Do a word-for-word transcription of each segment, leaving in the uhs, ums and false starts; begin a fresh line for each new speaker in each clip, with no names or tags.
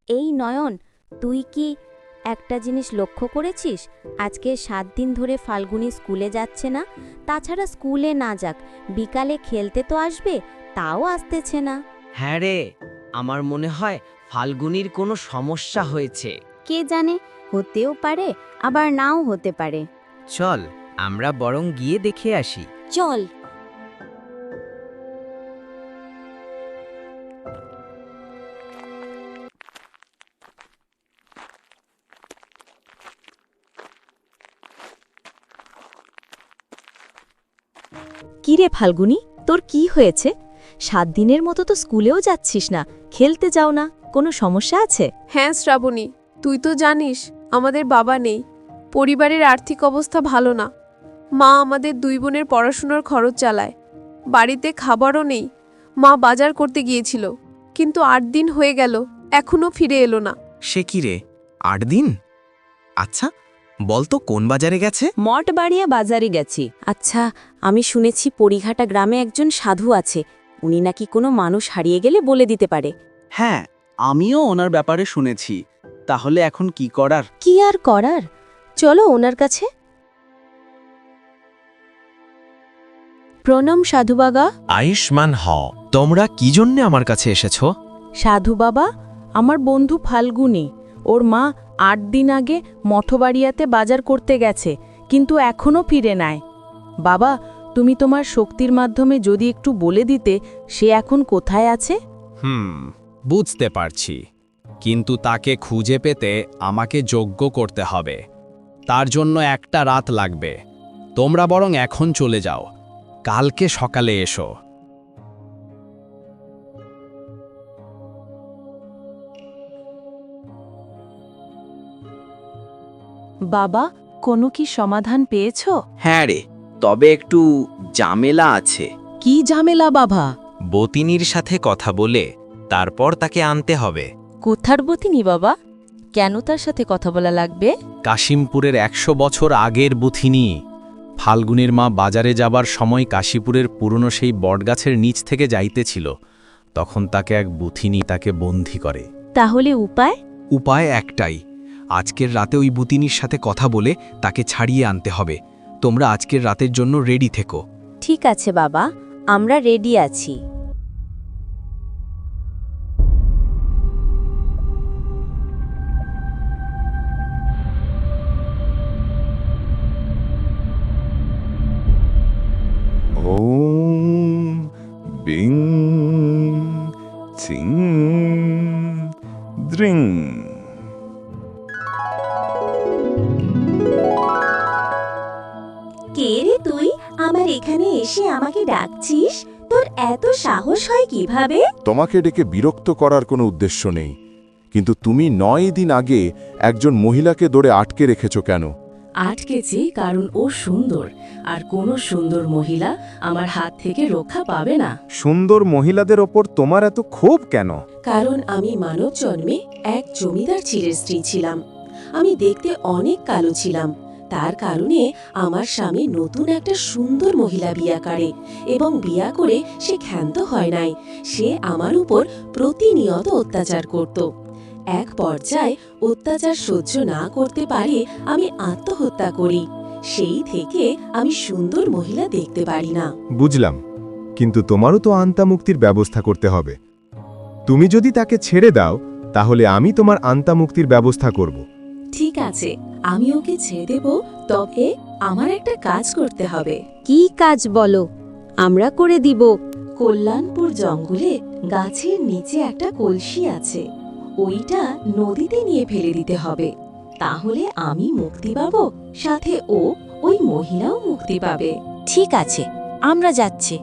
এই নয়ন, তুই কি একটা জিনিস লক্ষ্য করেছিস? আজকে সাত দিন ধরে ফাল্গুনি স্কুলে যাচ্ছে না। তাছাড়া স্কুলে না যাক, বিকালে খেলতে তো আসবে, তাও আসতেছে না।
হ্যাঁ রে, আমার মনে হয় ফাল্গুনির কোনো সমস্যা হয়েছে।
কে জানে, হতেও পারে আবার নাও হতে পারে।
চল আমরা বরং গিয়ে দেখে আসি।
চল।
কি রে ফাল্গুনি, তোর কি হয়েছে? সাত দিনের মতো তো স্কুলেও যাচ্ছিস না, খেলতে যাও না, কোনো সমস্যা আছে?
হ্যাঁ শ্রাবণী, তুই তো জানিস আমাদের বাবা নেই, পরিবারের আর্থিক অবস্থা ভালো না। মা আমাদের দুই বোনের পড়াশোনার খরচ চালায়, বাড়িতে খাবারও নেই। মা বাজার করতে গিয়েছিল, কিন্তু আট দিন হয়ে গেল, এখনো ফিরে এলো না।
সে কি রে, আট দিন? আচ্ছা বলতো কোন বাজারে গেছে?
মঠ বাড়িয়া বাজারে গেছি। আচ্ছা, আমি শুনেছি পরিঘাটা গ্রামে একজন সাধু আছে, উনি নাকি কোনো মানুষ হারিয়ে গেলে বলে দিতে পারে।
হ্যাঁ, আমিও ওনার ব্যাপারে শুনেছি। তাহলে এখন কি করার?
কি আর করার, চলো ওনার কাছে। প্রণাম সাধু বাবা।
আয়ুষ্মান হ। তোমরা কি জন্য আমার কাছে এসেছো?
সাধু বাবা, আমার বন্ধু ফাল্গুনি, ওর মা আট দিন আগে মঠবাড়িয়াতে বাজার করতে গেছে, কিন্তু এখনও ফিরে নাই। বাবা, তুমি তোমার শক্তির মাধ্যমে যদি একটু বলে দিতে সে এখন কোথায় আছে।
হুম, বুঝতে পারছি, কিন্তু তাকে খুঁজে পেতে আমাকে যজ্ঞ করতে হবে। তার জন্য একটা রাত লাগবে। তোমরা বরং এখন চলে যাও, কালকে সকালে এসো।
বাবা, কোনো কি সমাধান পেয়েছো?
হ্যাঁ রে, তবে একটু ঝামেলা আছে।
কি ঝামেলা বাবা?
বতিনীর সাথে কথা বলে তারপর তাকে আনতে হবে।
কোথার বতিনি বাবা? কেন তার সাথে কথা বলা লাগবে?
কাশিমপুরের একশো বছর আগের বুথিনী। ফাল্গুনের মা বাজারে যাবার সময় কাশীপুরের পুরনো সেই বটগাছের নিচ থেকে যাইতেছিল, তখন তাকে এক বুথিনী তাকে বন্দী করে।
তাহলে উপায়?
উপায় একটাই, আজকের রাতে ওই বুতিনীর সাথে কথা বলে তাকে ছাড়িয়ে আনতে হবে। তোমরা আজকের রাতের জন্য রেডি থেকো।
ঠিক আছে বাবা, আমরা রেডি আছি।
ওম বিং চিং দ্রিং।
কে রে তুই, আমার এখানে এসে আমাকে ডাকছিস? তোর এত সাহস হয় কিভাবে?
তোমাকে ডেকে বিরক্ত করার কোনো উদ্দেশ্য নেই, কিন্তু তুমি নয় দিন আগে একজন মহিলাকে দৌড়ে আটকে রেখেছ কেন?
আটকেছি কারণ ও সুন্দর, আর কোনো সুন্দর মহিলা আমার হাত থেকে রক্ষা পাবে না।
সুন্দর মহিলাদের ওপর তোমার এত ক্ষোভ কেন?
কারণ আমি মানব জন্মে এক জমিদার ছেলের স্ত্রী ছিলাম। আমি দেখতে অনেক কালো ছিলাম, তার কারণে আমার স্বামী নতুন একটা সুন্দর মহিলা বিয়া করে, এবং বিয়া করে সে ক্ষান্ত হয় নাই। সে আমার উপর প্রতিনিয়ত অত্যাচার করত। এক পর্যায়ে অত্যাচার সহ্য না করতে পারে আমি আত্মহত্যা করি। সেই থেকে আমি সুন্দর মহিলা দেখতে পারি না।
বুঝলাম, কিন্তু তোমারও তো আন্তামুক্তির ব্যবস্থা করতে হবে। তুমি যদি তাকে ছেড়ে দাও, তাহলে আমি তোমার আন্তামুক্তির ব্যবস্থা করব।
ঠিক আছে, আমি ওকে ছেড়ে দেব, তবে আমার একটা কাজ করতে হবে।
কি কাজ বলো, আমরা করে দিব।
কল্যাণপুর জঙ্গলে গাছের নিচে একটা কলসি আছে, ওইটা নদীতে নিয়ে ফেলে দিতে হবে। তাহলে আমি মুক্তি পাবো, সাথে ও ওই মহিলাও মুক্তি পাবে।
ঠিক আছে, আমরা যাচ্ছি।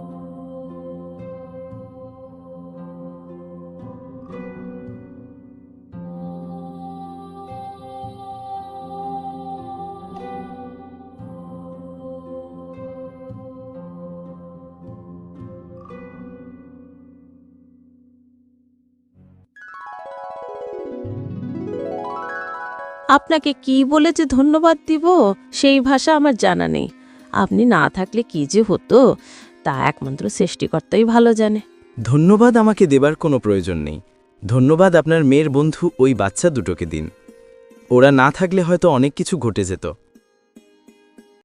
আপনাকে কি বলে যে ধন্যবাদ দিব সেই ভাষা আমার জানা নেই। আপনি না থাকলে কি যে হতো তা একমাত্র সৃষ্টিকর্তাই ভালো জানে।
ধন্যবাদ আমাকে দেবার কোনো প্রয়োজন নেই। ধন্যবাদ আপনার মেয়ের বন্ধু ওই বাচ্চা দুটোকে দিন। ওরা না থাকলে হয়তো অনেক কিছু ঘটে যেত।